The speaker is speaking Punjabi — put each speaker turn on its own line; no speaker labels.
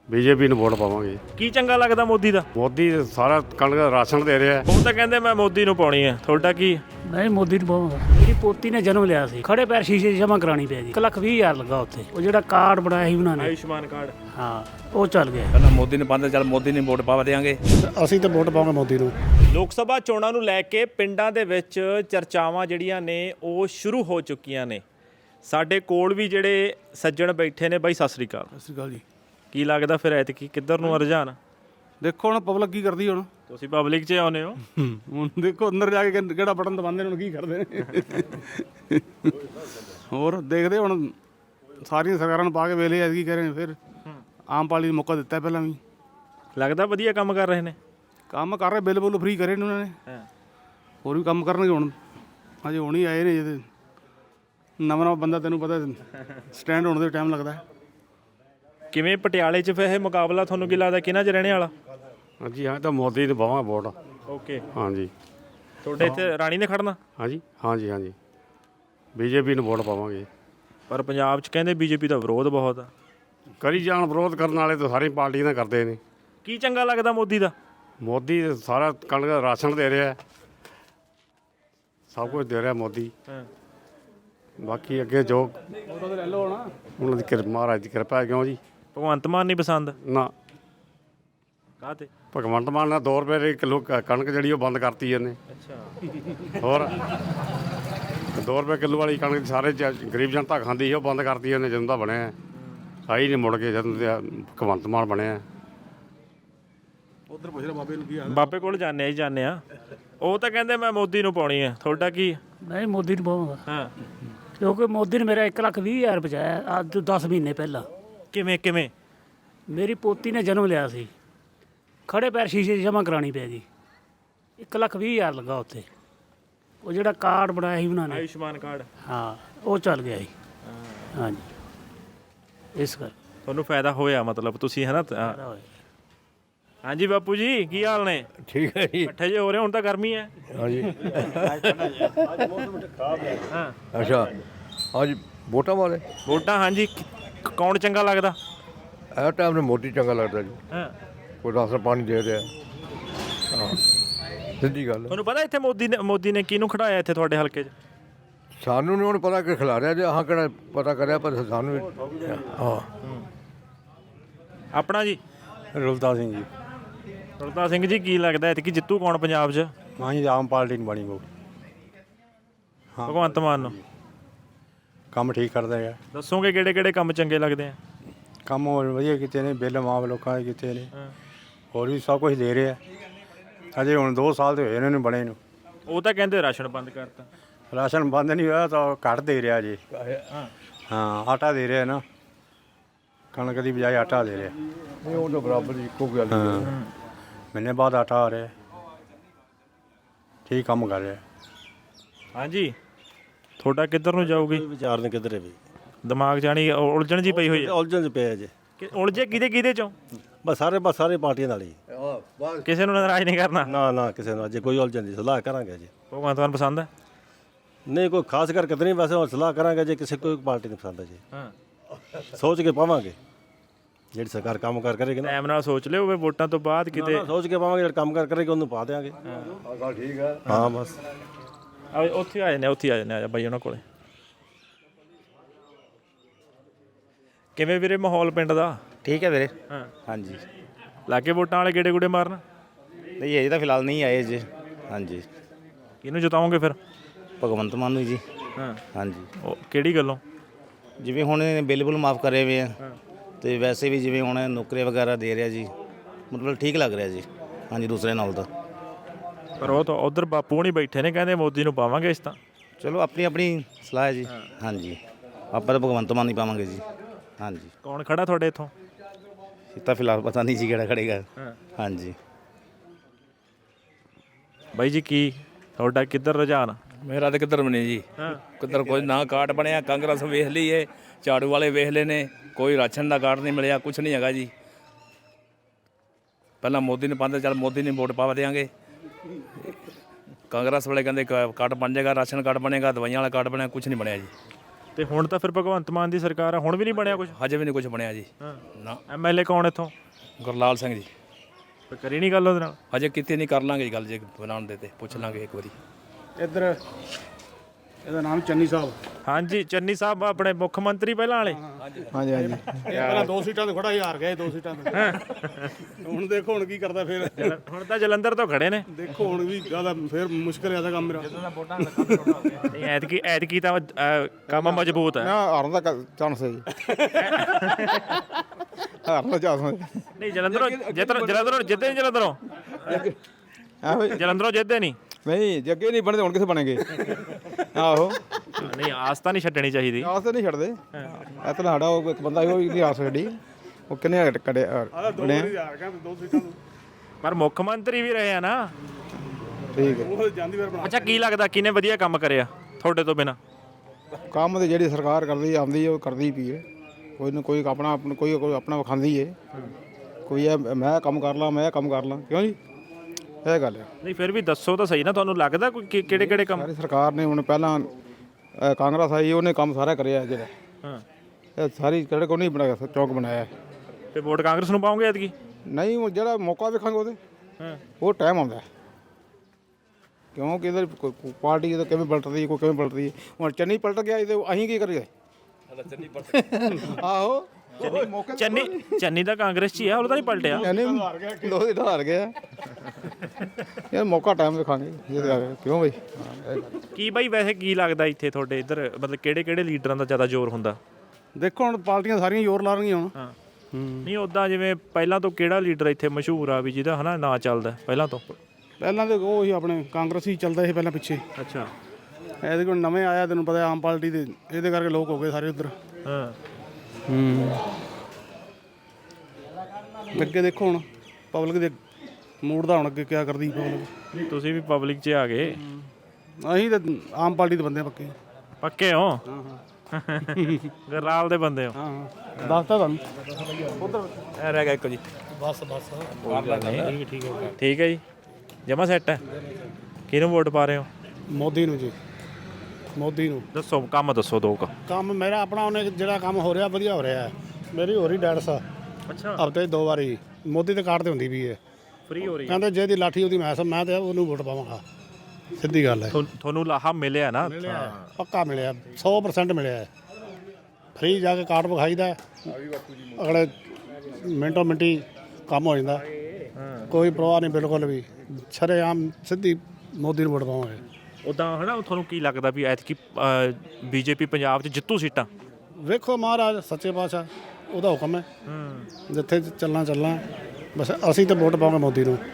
ਬੀਜੇਪੀ ਨੂੰ ਵੋਟ ਪਾਵਾਂਗੇ।
ਕੀ ਚੰਗਾ ਲੱਗਦਾ ਮੋਦੀ ਦਾ?
ਮੋਦੀ ਸਾਰਾ ਕਣਕ ਦਾ ਰਾਸ਼ਨ ਦੇ ਰਿਹਾ।
ਉਹ ਤਾਂ ਕਹਿੰਦੇ ਮੈਂ ਮੋਦੀ ਨੂੰ ਪਾਉਣੀ ਹੈ, ਤੁਹਾਡਾ ਕੀ?
ਮੈਂ ਮੋਦੀ ਨੂੰ ਪਾਵਾਂਗਾ। ਮੇਰੀ ਪੋਤੀ ਨੇ ਜਨਮ ਲਿਆ ਸੀ, ਖੜੇ ਪੈਰ ਸ਼ੀਸ਼ੇ 'ਚ ਜਮ੍ਹਾਂ ਕਰਾਉਣੀ ਪਈ ਜੀ। 1,20,000 ਲੱਗਾ ਉੱਥੇ। ਉਹ ਜਿਹੜਾ ਕਾਰਡ ਬਣਾਇਆ ਸੀ ਉਹਨਾਂ ਨੇ,
ਆਯੁਸ਼ਮਾਨ ਕਾਰਡ,
ਹਾਂ ਉਹ ਚੱਲ ਗਿਆ।
ਪਹਿਲਾਂ ਮੋਦੀ ਨੂੰ ਪਾਉਂਦੇ, ਚੱਲ ਮੋਦੀ ਨੂੰ ਵੋਟ ਪਾ ਦਿਆਂਗੇ।
ਅਸੀਂ ਤਾਂ ਵੋਟ ਪਾਵਾਂਗੇ ਮੋਦੀ ਨੂੰ।
ਲੋਕ ਸਭਾ ਚੋਣਾਂ ਨੂੰ ਲੈ ਕੇ ਪਿੰਡਾਂ ਦੇ ਵਿੱਚ ਚਰਚਾਵਾਂ ਜਿਹੜੀਆਂ ਨੇ ਉਹ ਸ਼ੁਰੂ ਹੋ ਚੁੱਕੀਆਂ ਨੇ। ਸਾਡੇ ਕੋਲ ਵੀ ਜਿਹੜੇ ਸੱਜਣ ਬੈਠੇ ਨੇ। ਬਾਈ ਸਤਿ ਸ੍ਰੀ ਅਕਾਲ।
ਸਤਿ ਸ਼੍ਰੀ ਅਕਾਲ ਜੀ।
ਕੀ ਲੱਗਦਾ ਫਿਰ ਐਤਕੀ ਕਿੱਧਰ ਨੂੰ ਆ ਰੁਝਾਨ?
ਦੇਖੋ ਹੁਣ ਪਬਲਿਕ ਕੀ ਕਰਦੀ ਹੁਣ।
ਤੁਸੀਂ ਪਬਲਿਕ 'ਚ ਆਉਂਦੇ ਹੋ।
ਹੁਣ ਦੇਖੋ ਅੰਦਰ ਜਾ ਕੇ ਕਿਹੜਾ ਬਟਨ ਦਬਾਉਂਦੇ ਨੇ, ਹੁਣ ਕੀ ਕਰਦੇ ਨੇ। ਹੋਰ ਦੇਖਦੇ ਹੁਣ ਸਾਰੀਆਂ ਸਰਕਾਰਾਂ ਨੂੰ ਪਾ ਕੇ ਵੇਲੇ ਐਤਕੀ ਕਰੇ। ਫਿਰ ਆਮ ਪਾਰਟੀ ਨੂੰ ਮੌਕਾ ਦਿੱਤਾ ਪਹਿਲਾਂ ਵੀ।
ਲੱਗਦਾ ਵਧੀਆ ਕੰਮ ਕਰ ਰਹੇ ਨੇ।
ਕੰਮ ਕਰ ਰਹੇ, ਬਿੱਲ ਬੁੱਲ ਫ੍ਰੀ ਕਰੇ ਨੇ ਉਹਨਾਂ ਨੇ। ਹੋਰ ਵੀ ਕੰਮ ਕਰਨਗੇ ਹੁਣ। ਅਜੇ ਹੁਣ ਹੀ ਆਏ ਨੇ। ਜਿਹਦੇ ਨਵਾਂ ਬੰਦਾ, ਤੈਨੂੰ ਪਤਾ ਸਟੈਂਡ ਹੋਣ ਦੇ ਟਾਈਮ ਲੱਗਦਾ।
ਕਿਵੇਂ ਪਟਿਆਲੇ 'ਚ ਫਿਰ ਇਹ ਮੁਕਾਬਲਾ ਤੁਹਾਨੂੰ ਕੀ ਲੱਗਦਾ ਕਿਹਨਾਂ 'ਚ ਰਹਿਣੇ ਵਾਲਾ?
ਹਾਂਜੀ ਹਾਂ, ਤਾਂ ਮੋਦੀ ਨੂੰ ਪਾਵਾਂਗੇ ਵੋਟ।
ਓਕੇ,
ਹਾਂਜੀ।
ਤੁਹਾਡੇ ਇੱਥੇ ਰਾਣੀ ਨੇ ਖੜਨਾ?
ਹਾਂਜੀ ਹਾਂਜੀ ਹਾਂਜੀ, ਬੀਜੇਪੀ ਨੂੰ ਵੋਟ ਪਾਵਾਂਗੇ।
ਪਰ ਪੰਜਾਬ 'ਚ ਕਹਿੰਦੇ ਬੀਜੇਪੀ ਦਾ ਵਿਰੋਧ ਬਹੁਤ ਆ।
ਕਰੀ ਜਾਣ, ਵਿਰੋਧ ਕਰਨ ਵਾਲੇ ਤਾਂ ਸਾਰੀ ਪਾਰਟੀਆਂ ਨਾਲ ਕਰਦੇ ਨੇ।
ਕੀ ਚੰਗਾ ਲੱਗਦਾ ਮੋਦੀ ਦਾ?
ਮੋਦੀ ਸਾਰਾ ਕਣਕ ਦਾ ਰਾਸ਼ਨ ਦੇ ਰਿਹਾ, ਸਭ ਕੁਝ ਦੇ ਰਿਹਾ ਮੋਦੀ। ਬਾਕੀ ਅੱਗੇ ਜੋ
ਲੈ ਲਓ ਨਾ।
ਉਹਨਾਂ ਦੀ ਮਹਾਰਾਜ ਦੀ ਕਿਰਪਾ ਹੈ। ਕਿਉਂ ਜੀ?
ਭਗਵੰਤ ਮਾਨ ਨਹੀਂ ਪਸੰਦ?
ਨਾ,
ਕਾਹਤੇ?
ਭਗਵੰਤ ਮਾਨ ਨੇ 2 ਰੁਪਏ ਦੀ ਕਿਲੋ ਕਣਕ ਜਿਹੜੀ ਉਹ ਬੰਦ ਕਰਤੀ ਇਹਨੇ।
ਅੱਛਾ।
ਹੋਰ 2 ਰੁਪਏ ਕਿਲੋ ਵਾਲੀ ਕਣਕ ਸਾਰੇ ਗਰੀਬ ਜਨਤਾ ਖਾਂਦੀ ਸੀ, ਉਹ ਬੰਦ ਕਰਤੀ ਇਹਨੇ ਜਦੋਂ ਦਾ ਬਣਿਆ। ਆਈ ਨਹੀਂ ਮੁੜ ਕੇ ਜਦੋਂ ਦਾ ਭਗਵੰਤ ਮਾਨ ਬਣਿਆ।
ਉਧਰ ਪੁੱਛ ਲੈ ਬਾਬੇ ਨੂੰ ਕੀ ਹਾਲ।
ਬਾਬੇ ਕੋਲ ਜਾਂਦੇ ਆ। ਉਹ ਤਾਂ ਕਹਿੰਦੇ ਮੈਂ ਮੋਦੀ ਨੂੰ ਪਾਉਣੀ ਹੈ, ਤੁਹਾਡਾ ਕੀ?
ਮੈਂ ਮੋਦੀ ਨੂੰ ਪਾਵਾਂਗਾ।
ਹਾਂ,
ਕਿਉਂਕਿ ਮੋਦੀ ਨੇ ਮੇਰਾ 1,20,000 ਬਚਾਇਆ ਅੱਜ ਤੋਂ 10 ਮਹੀਨੇ ਪਹਿਲਾਂ।
ਕਿਵੇਂ?
ਮੇਰੀ ਪੋਤੀ ਨੇ ਜਨਮ ਲਿਆ ਸੀ, ਖੜੇ ਪੈਰ ਸ਼ੀਸ਼ੇ 'ਚ ਜਮ੍ਹਾਂ ਕਰਾਉਣੀ ਪਈ ਜੀ। 1,20,000 ਲੱਗਾ ਉੱਥੇ। ਉਹ ਜਿਹੜਾ ਕਾਰਡ ਬਣਾਇਆ ਸੀ ਉਹਨਾਂ ਨੇ,
ਆਯੁਸ਼ਮਾਨ ਕਾਰਡ,
ਹਾਂ ਉਹ ਚੱਲ ਗਿਆ ਜੀ। ਹਾਂਜੀ, ਇਸ ਕਰ
ਤੁਹਾਨੂੰ ਫਾਇਦਾ ਹੋਇਆ ਮਤਲਬ ਤੁਸੀਂ ਹੈ ਨਾ? ਹਾਂਜੀ ਬਾਪੂ ਜੀ, ਕੀ ਹਾਲ ਨੇ?
ਠੀਕ ਹੈ ਜੀ।
ਇਕੱਠੇ ਜੇ ਹੋ ਰਹੇ ਹੁਣ ਤਾਂ ਗਰਮੀ ਹੈ।
ਹਾਂਜੀ।
ਹਾਂ,
ਅੱਛਾ, ਅੱਜ ਵੋਟਾਂ ਵਾਲੇ
ਵੋਟਾਂ। ਹਾਂਜੀ, ਕੌਣ ਚੰਗਾ ਲੱਗਦਾ?
ਇਹ ਟਾਈਮ ਨੂੰ ਮੋਦੀ ਚੰਗਾ ਲੱਗਦਾ ਜੀ।
ਹਾਂ,
ਕੋਈ ਰਾਸ਼ਨ ਪਾਣੀ ਦੇ ਰਿਹਾ। ਹਾਂ, ਸਿੱਧੀ ਗੱਲ ਹੈ।
ਤੁਹਾਨੂੰ ਪਤਾ ਇੱਥੇ ਮੋਦੀ ਨੇ ਕਿਹਨੂੰ ਖੜਾਇਆ ਇੱਥੇ ਤੁਹਾਡੇ ਹਲਕੇ 'ਚ?
ਸਾਨੂੰ ਨਹੀਂ ਹੁਣ ਪਤਾ ਕਿ ਖਿਲਾ ਰਿਹਾ ਜੀ। ਆਹ ਕਿਹੜਾ ਪਤਾ ਕਰਿਆ, ਪਰ ਸਾਨੂੰ ਵੀ ਹਾਂ।
ਆਪਣਾ ਜੀ
ਰੁਲਤਾ ਸਿੰਘ ਜੀ।
ਰੁਲਤਾ ਸਿੰਘ ਜੀ, ਕੀ ਲੱਗਦਾ ਐਤਕੀ ਜਿੱਤੂ ਕੌਣ ਪੰਜਾਬ 'ਚ?
ਹਾਂ ਜੀ, ਆਮ ਪਾਰਟੀ ਨੂੰ ਬਣੀ ਵੋਟ।
ਭਗਵੰਤ ਮਾਨ ਨੂੰ।
ਕੰਮ ਠੀਕ ਕਰਦਾ ਹੈਗਾ।
ਦੱਸੋਗੇ ਕਿਹੜੇ ਕੰਮ ਚੰਗੇ ਲੱਗਦੇ ਆ?
ਕੰਮ ਹੋਰ ਵਧੀਆ ਕੀਤੇ ਨੇ, ਬਿੱਲ ਮਾਫ ਲੋਕਾਂ ਦੇ ਕੀਤੇ ਨੇ। ਹੋਰ ਵੀ ਸਭ ਕੁਝ ਦੇ ਰਿਹਾ। ਅਜੇ ਹੁਣ 2 ਸਾਲ ਦੇ ਹੋਏ ਇਹਨਾਂ ਨੂੰ ਬਣੇ ਨੂੰ।
ਉਹ ਤਾਂ ਕਹਿੰਦੇ ਰਾਸ਼ਨ ਬੰਦ ਕਰਤਾ।
ਰਾਸ਼ਨ ਬੰਦ ਨਹੀਂ ਹੋਇਆ ਤਾਂ ਘੱਟ ਦੇ ਰਿਹਾ ਜੀ। ਹਾਂ, ਆਟਾ ਦੇ ਰਿਹਾ ਨਾ, ਕਣਕ ਦੀ ਬਜਾਏ ਆਟਾ ਦੇ ਰਿਹਾ।
ਨਹੀਂ, ਉਹ ਤਾਂ ਬਰਾਬਰ ਇੱਕੋ ਗੱਲ ਹੈ।
ਮਹੀਨੇ ਬਾਅਦ ਆਟਾ ਆ ਰਿਹਾ। ਠੀਕ ਕੰਮ ਕਰ ਰਿਹਾ।
ਹਾਂਜੀ, ਤੁਹਾਡਾ ਕਿੱਧਰ ਨੂੰ ਜਾਊਗੀ?
ਵਿਚਾਰ ਨੇ ਕਿੱਧਰ ਹੈ ਵੀ
ਦਿਮਾਗ ਜਾਣੀ ਉਲਝਣ ਜੀ ਪਈ ਹੋਈ ਹੈ।
ਉਲਝਣ ਚ ਪਿਆ ਜੇ।
ਉਲਝੇ ਕਿਹਦੇ ਚੋਂ?
ਬਸ ਸਾਰੇ ਪਾਰਟੀਆਂ ਨਾਲ ਹੀ।
ਕਿਸੇ ਨੂੰ ਨਾਰਾਜ਼ ਨਹੀਂ ਕਰਨਾ।
ਨਾ ਕਿਸੇ ਨੂੰ ਅਜੇ ਕੋਈ ਉਲਝਣ ਦੀ ਸਲਾਹ ਕਰਾਂਗੇ ਜੀ।
ਭਗਵੰਤ ਮਾਨ ਪਸੰਦ ਹੈ?
ਨਹੀਂ, ਕੋਈ ਖਾਸ ਕਰਕੇ ਤਾਂ ਨਹੀਂ, ਵੈਸੇ ਹੁਣ ਸਲਾਹ ਕਰਾਂਗੇ ਜੇ ਕਿਸੇ ਕੋਈ ਪਾਰਟੀ ਨੂੰ ਪਸੰਦ ਹੈ ਜੀ।
ਹਾਂ,
ਸੋਚ ਕੇ ਪਾਵਾਂਗੇ ਜਿਹੜੀ ਸਰਕਾਰ ਕੰਮ ਕਰੇਗੀ ਨਾ।
ਟਾਈਮ ਨਾਲ ਸੋਚ ਲਿਓ ਵੀ ਵੋਟਾਂ ਤੋਂ ਬਾਅਦ ਕਿਤੇ।
ਸੋਚ ਕੇ ਪਾਵਾਂਗੇ, ਜਿਹੜਾ ਕੰਮ ਕਰੇਗੀ ਉਹਨੂੰ ਪਾ ਦਿਆਂਗੇ।
ਗੱਲ ਠੀਕ ਹੈ।
ਹਾਂ ਬਸ।
ਉੱਥੇ ਆ ਜਾਂਦੇ ਆ ਜਾ ਬਾਈ ਉਹਨਾਂ ਕੋਲੇ। ਕਿਵੇਂ ਵੀਰੇ ਮਾਹੌਲ ਪਿੰਡ ਦਾ?
ਠੀਕ ਹੈ ਵੀਰੇ।
ਹਾਂ,
ਹਾਂਜੀ।
ਲਾਗੇ ਵੋਟਾਂ ਵਾਲੇ ਗੇੜੇ ਗੁੜੇ ਮਾਰਨ?
ਨਹੀਂ, ਅਜੇ ਤਾਂ ਫਿਲਹਾਲ ਨਹੀਂ ਆਏ ਜੀ। ਹਾਂਜੀ।
ਕਿਹਨੂੰ ਜਿਤਾਓਗੇ ਫਿਰ?
ਭਗਵੰਤ ਮਾਨ ਨੂੰ ਜੀ।
ਹਾਂ,
ਹਾਂਜੀ।
ਉਹ ਕਿਹੜੀ ਗੱਲੋਂ?
ਜਿਵੇਂ ਹੁਣ ਬਿੱਲ ਬੁੱਲ ਮਾਫ ਕਰੇ ਹੋਏ ਆ, ਅਤੇ ਵੈਸੇ ਵੀ ਜਿਵੇਂ ਹੁਣ ਨੌਕਰੀ ਵਗੈਰਾ ਦੇ ਰਿਹਾ ਜੀ, ਮਤਲਬ ਠੀਕ ਲੱਗ ਰਿਹਾ ਜੀ। ਹਾਂਜੀ, ਦੂਸਰੇ ਨਾਲ ਤਾਂ।
ਪਰ ਉਹ ਤਾਂ ਉਧਰ ਬਾਪੂ ਨਹੀਂ ਬੈਠੇ ਨੇ, ਕਹਿੰਦੇ ਮੋਦੀ ਨੂੰ ਪਾਵਾਂਗੇ ਇਸ ਤਾਂ।
ਚਲੋ ਆਪਣੀ ਸਲਾਹ ਹੈ ਜੀ। ਹਾਂਜੀ, ਆਪਾਂ ਤਾਂ ਭਗਵੰਤ ਮਾਨ ਨਹੀਂ ਪਾਵਾਂਗੇ ਜੀ। ਹਾਂਜੀ।
ਕੌਣ ਖੜਾ ਤੁਹਾਡੇ ਇੱਥੋਂ?
ਇਹ ਤਾਂ ਫਿਲਹਾਲ ਪਤਾ ਨਹੀਂ ਜੀ ਕਿਹੜਾ ਖੜੇਗਾ। ਹਾਂਜੀ।
ਬਾਈ ਜੀ, ਕੀ ਤੁਹਾਡਾ ਕਿੱਧਰ ਰੁਝਾਨ?
ਮੇਰਾ ਤਾਂ ਕਿੱਧਰ ਬਣੇ ਜੀ। ਕਿੱਧਰ ਕੋਈ ਨਾ ਕਾਰਡ ਬਣਿਆ। ਕਾਂਗਰਸ ਵੇਖ ਲਈ ਏ, ਝਾੜੂ ਵਾਲੇ ਵੇਖ ਲਏ ਨੇ, ਕੋਈ ਰਾਸ਼ਨ ਦਾ ਕਾਰਡ ਨਹੀਂ ਮਿਲਿਆ, ਕੁਛ ਨਹੀਂ ਹੈਗਾ ਜੀ। ਪਹਿਲਾਂ ਮੋਦੀ ਨੂੰ ਪਾਉਂਦੇ, ਚੱਲ ਮੋਦੀ ਨੂੰ ਵੋਟ ਪਾ ਦਿਆਂਗੇ। ਕਾਂਗਰਸ ਵਾਲੇ ਕਹਿੰਦੇ ਕਾਰਡ ਬਣ ਜਾਏਗਾ, ਰਾਸ਼ਨ ਕਾਰਡ ਬਣੇਗਾ, ਦਵਾਈਆਂ ਵਾਲਾ ਕਾਰਡ ਬਣਿਆ, ਕੁਛ ਨਹੀਂ ਬਣਿਆ ਜੀ।
ਤੇ ਹੁਣ ਤਾਂ ਫਿਰ ਭਗਵੰਤ ਮਾਨ ਦੀ ਸਰਕਾਰ ਆ, ਹੁਣ ਵੀ ਨਹੀਂ ਬਣਿਆ ਕੁਝ।
ਹਜੇ ਵੀ ਨਹੀਂ ਕੁਝ ਬਣਿਆ ਜੀ। ਨਾ
ਐਮਐਲਏ ਕੌਣ ਇੱਥੋਂ?
ਗੁਰਲਾਲ ਸਿੰਘ ਜੀ।
ਕੋਈ ਕਰੀ ਨਹੀਂ ਗੱਲ ਉਹਦੇ ਨਾਲ?
ਹਜੇ ਕੀਤੀ ਨਹੀਂ, ਕਰ ਲਾਂਗੇ ਜੀ ਗੱਲ, ਜੇ ਬਣਾਉਣ ਦੇ ਤੇ ਪੁੱਛ ਲਾਂਗੇ ਇੱਕ ਵਾਰੀ।
ਇੱਧਰ ਇਹਦਾ ਨਾਮ ਚੰਨੀ ਸਾਹਿਬ।
ਹਾਂਜੀ, ਚੰਨੀ ਸਾਹਿਬ ਆਪਣੇ ਮੁੱਖ ਮੰਤਰੀ ਪਹਿਲਾਂ ਵਾਲੇ।
ਹਾਂਜੀ ਹਾਂਜੀ। ਇਹ ਪਹਿਲਾਂ 2 ਸੀਟਾਂ ਤੇ ਖੜਾ ਹੀ ਹਾਰ ਗਿਆ 2 ਸੀਟਾਂ ਤੇ। ਹੁਣ ਦੇਖੋ ਹੁਣ ਕੀ ਕਰਦਾ ਫਿਰ।
ਹੁਣ ਤਾਂ ਜਲੰਧਰ ਤੋਂ ਖੜੇ ਨੇ।
ਦੇਖੋ ਹੁਣ ਵੀ ਜ਼ਿਆਦਾ ਫਿਰ ਮੁਸ਼ਕਿਲ ਹੈ ਕੰਮ ਮੇਰਾ।
ਨਹੀਂ, ਐਤਕੀ ਤਾਂ ਕੰਮ ਮਜ਼ਬੂਤ ਹੈ।
ਹਾਰਨ ਦਾ ਚਾਂਸ ਹੈ ਜੀ ਹਾਰਨ ਦਾ ਚਾਂਸ ਹੈ
ਨਹੀਂ, ਜਲੰਧਰੋਂ ਜਿੱਦੇ ਨਹੀਂ ਜਲੰਧਰੋਂ ਜਿੱਦੇ ਨਹੀਂ।
ਨਹੀਂ ਜੇ ਅੱਗੇ ਨਹੀਂ ਬਣਦੇ ਹੁਣ ਕਿੱਥੇ ਬਣेंगे ਆਹੋ
ਨਹੀਂ, ਆਸ ਤਾਂ ਨਹੀਂ ਛੱਡਣੀ ਚਾਹੀਦੀ।
ਆਸ ਤਾਂ ਨਹੀਂ ਛੱਡਦੇ ਇਹ ਤਾਂ ਸਾਡਾ ਉਹ ਇੱਕ ਬੰਦਾ ਸੀ ਉਹ ਵੀ ਨਹੀਂ ਆਸ ਛੱਡੀ ਉਹ ਕਿੰਨੇ ਕੜਿਆ ਬਣਿਆ
ਹਾਰ ਗਿਆ 2 ਸੀਟਾਂ ਤੋਂ।
ਪਰ ਮੁੱਖ ਮੰਤਰੀ ਵੀ ਰਹੇ ਆ ਨਾ।
ਠੀਕ ਹੈ
ਉਹ ਜਾਂਦੀ ਵਾਰ ਬਣਾ।
ਅੱਛਾ, ਕੀ ਲੱਗਦਾ ਕਿਹਨੇ ਵਧੀਆ ਕੰਮ ਕਰਿਆ ਤੁਹਾਡੇ ਤੋਂ ਬਿਨਾ?
ਕੰਮ ਤੇ ਜਿਹੜੀ ਸਰਕਾਰ ਕਰਦੀ ਆਉਂਦੀ ਹੈ ਉਹ ਕਰਦੀ ਪਈ ਹੈ ਕੋਈ ਨਾ ਕੋਈ ਆਪਣਾ ਕੋਈ ਆਪਣਾ ਵਿਖਾਉਂਦੀ ਹੈ ਕੋਈ ਇਹ ਮੈਂ ਕੰਮ ਕਰ ਲਾਂ ਮੈਂ ਕੰਮ ਕਰ ਲਾਂ ਕਿਉਂ ਜੀ ਇਹ ਗੱਲ ਹੈ
ਨਹੀਂ, ਫਿਰ ਵੀ ਦੱਸੋ ਤਾਂ ਸਹੀ ਨਾ, ਤੁਹਾਨੂੰ ਲੱਗਦਾ ਕੋਈ ਕਿਹੜੇ ਕੰਮ?
ਸਾਰੀ ਸਰਕਾਰ ਨੇ ਹੁਣ ਪਹਿਲਾਂ ਕਾਂਗਰਸ ਆਈ ਉਹਨੇ ਕੰਮ ਸਾਰਾ ਕਰਿਆ ਜਿਹੜਾ
ਹਾਂ,
ਇਹ ਸਾਰੀ ਕਿਹੜੇ ਕੋ ਨਹੀਂ ਬਣਾਇਆ ਚੌਕ ਬਣਾਇਆ
ਤੇ ਵੋਟ ਕਾਂਗਰਸ ਨੂੰ ਪਾਉਂਗੇ ਐਤਕੀ?
ਨਹੀਂ ਉਹ ਜਿਹੜਾ ਮੌਕਾ ਵੇਖਾਂਗੇ ਉਹਦੇ
ਹਾਂ,
ਉਹ ਟਾਈਮ ਆਉਂਦਾ ਕਿਉਂਕਿ ਇਹਦੇ ਪਾਰਟੀ ਜਦੋਂ ਕਿਵੇਂ ਪਲਟਦੀ ਕੋਈ ਕਿਵੇਂ ਪਲਟਦੀ ਹੁਣ ਚੰਨੀ ਪਲਟ ਗਿਆ ਇਹਦੇ ਅਸੀਂ ਕੀ ਕਰੀਏ ਆਹੋ
ਚੰਨੀ ਤਾਂ ਕਾਂਗਰਸ 'ਚ ਹੀ ਆ, ਉਹ ਤਾਂ ਨਹੀਂ ਪਲਟਿਆ।
ਦੋ ਦੇ ਹਾਰ ਗਿਆ ਯਾਰ ਮੌਕਾ ਟਾਈਮ ਵੇਖਾਂਗੇ ਜਿਹਦੇ ਆ ਕਿਉਂ ਬਈ
ਕੀ ਬਾਈ ਵੈਸੇ ਕੀ ਲੱਗਦਾ ਇੱਥੇ ਤੁਹਾਡੇ ਇੱਧਰ ਮਤਲਬ ਕਿਹੜੇ ਲੀਡਰਾਂ ਦਾ ਜ਼ਿਆਦਾ ਜ਼ੋਰ ਹੁੰਦਾ?
ਦੇਖੋ ਹੁਣ ਪਾਰਟੀਆਂ ਸਾਰੀਆਂ ਜ਼ੋਰ ਲਾ ਰਹੀਆਂ ਹੁਣ।
ਹਾਂ, ਨਹੀਂ ਉੱਦਾਂ ਜਿਵੇਂ ਪਹਿਲਾਂ ਤੋਂ ਕਿਹੜਾ ਲੀਡਰ ਇੱਥੇ ਮਸ਼ਹੂਰ ਆ ਵੀ ਜਿਹਦਾ ਹਨਾ ਨਾਂ ਚੱਲਦਾ ਪਹਿਲਾਂ ਤੋਂ?
ਪਹਿਲਾਂ ਤੇ ਉਹ ਹੀ ਆਪਣੇ ਕਾਂਗਰਸੀ ਚੱਲਦਾ ਸੀ ਪਹਿਲਾਂ ਪਿੱਛੇ।
ਅੱਛਾ।
ਇਹਦੇ ਕੋਲ ਨਵੇਂ ਆਇਆ ਤੈਨੂੰ ਪਤਾ ਆਮ ਪਾਰਟੀ ਦੇ ਇਹਦੇ ਕਰਕੇ ਲੋਕ ਹੋ ਗਏ ਸਾਰੇ ਉੱਧਰ।
ਹਾਂ,
ਅੱਗੇ ਦੇਖੋ ਹੁਣ ਪਬਲਿਕ ਦੇ ਮੂਡ ਦਾ ਹੁਣ ਅੱਗੇ ਕੀ ਕਰਦੀ ਪਬਲਿਕ।
ਨਹੀਂ ਤੁਸੀਂ ਵੀ ਪਬਲਿਕ 'ਚ ਆ ਗਏ।
ਅਸੀਂ ਤਾਂ ਆਮ ਪਾਰਟੀ ਦੇ ਬੰਦੇ ਆ ਪੱਕੇ।
ਪੱਕੇ ਹੋ? ਗਰਲਾਲ ਦੇ ਬੰਦੇ ਹੋ?
ਹਾਂ ਦੱਸਤਾ ਤੁਹਾਨੂੰ।
ਇਹ ਰਹਿ ਗਿਆ ਇੱਕ ਜੀ।
ਬਸ
ਠੀਕ ਹੈ ਜੀ, ਜਮਾ ਸੈੱਟ ਹੈ। ਕਿਹਨੂੰ ਵੋਟ ਪਾ ਰਹੇ ਹੋ?
ਮੋਦੀ ਨੂੰ ਜੀ, ਮੋਦੀ ਨੂੰ।
ਦੱਸੋ ਕੰਮ ਦੱਸੋ ਦੋ ਕੁ।
ਕੰਮ ਮੇਰਾ ਆਪਣਾ ਉਹਨੇ ਜਿਹੜਾ ਕੰਮ ਹੋ ਰਿਹਾ ਵਧੀਆ ਹੋ ਰਿਹਾ ਹੈ। ਮੇਰੀ ਹੋ ਰਹੀ ਡੈਡਸ
ਅੱਛਾ,
ਹਫ਼ਤੇ 2 ਵਾਰੀ ਮੋਦੀ ਦੇ ਕਾਰਡ ਤੇ ਹੁੰਦੀ ਵੀ ਹੈ।
ਫ੍ਰੀ ਹੋ ਰਹੀ?
ਕਹਿੰਦੇ ਜਿਹਦੀ ਲਾਠੀ ਉਹਦੀ ਮੈਂ ਤੇ ਉਹਨੂੰ ਵੋਟ ਪਾਵਾਂਗਾ। ਸਿੱਧੀ ਗੱਲ ਹੈ।
ਤੁਹਾਨੂੰ ਲਾਹਾ ਮਿਲਿਆ ਨਾ?
ਪੱਕਾ ਮਿਲਿਆ 100% ਮਿਲਿਆ। ਫ੍ਰੀ ਜਾ ਕੇ ਕਾਰਡ ਵਿਖਾਈਦਾ ਅਗਲੇ ਮਿੰਟੋ ਮਿੰਟੀ ਕੰਮ ਹੋ ਜਾਂਦਾ। ਕੋਈ ਪ੍ਰਵਾਹ ਨਹੀਂ ਬਿਲਕੁਲ ਵੀ। ਸ਼ਰੇਆਮ ਸਿੱਧੀ ਮੋਦੀ ਨੂੰ ਵੋਟ ਪਾਵਾਂਗੇ।
ਉੱਦਾਂ ਹਨਾ ਤੁਹਾਨੂੰ ਕੀ ਲੱਗਦਾ ਵੀ ਐਤਕੀ ਬੀਜੇਪੀ ਪੰਜਾਬ 'ਚ ਜਿੱਤੂ ਸੀਟਾਂ?
ਵੇਖੋ ਮਹਾਰਾਜ ਸੱਚੇ ਪਾਤਸ਼ਾਹ ਉਹਦਾ ਹੁਕਮ ਹੈ। ਜਿੱਥੇ ਚੱਲਣਾ ਬਸ ਅਸੀਂ ਤਾਂ ਵੋਟ ਪਾਵਾਂਗੇ ਮੋਦੀ ਨੂੰ।